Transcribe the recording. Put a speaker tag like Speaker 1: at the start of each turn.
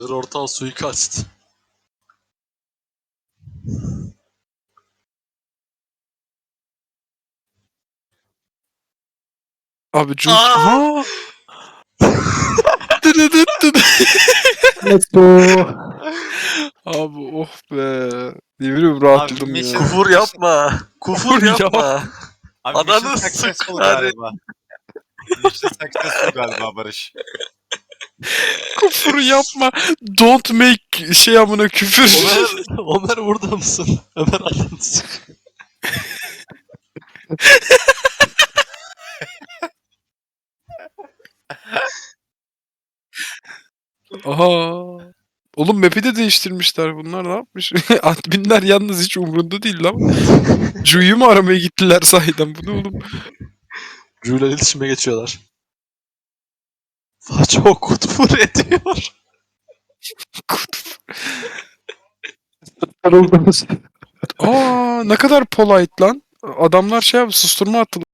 Speaker 1: Ortağı suikast.
Speaker 2: Abi Jun...
Speaker 1: Aa!
Speaker 2: Aha! Dıdıdıt dıdı.
Speaker 3: Let's go.
Speaker 2: Abi oh be. Ne bileyim rahatladım
Speaker 4: Abi,
Speaker 2: ya.
Speaker 4: mission-
Speaker 1: Kufur yapma. Kufur
Speaker 2: Kufur
Speaker 1: yapma.
Speaker 4: Abi
Speaker 1: Ananı
Speaker 4: mission successful
Speaker 1: sıkar.
Speaker 4: galiba. Mission successful galiba Barış.
Speaker 2: Küfür yapma. Don't make şey amına küfür.
Speaker 1: Ömer burada mısın? Ömer ananı sık.
Speaker 2: Aha. Oğlum map'i de değiştirmişler bunlar, ne yapmış? Adminler yalnız hiç umurunda değil lan. Ju'yu mu aramaya gittiler sahiden, bu ne oğlum?
Speaker 1: Jule'la iletişime geçiyorlar. Çok kutfur ediyor.
Speaker 3: Sarıldınız.
Speaker 2: Aa, ne kadar polite lan. Adamlar şey yaptı, susturma attılar.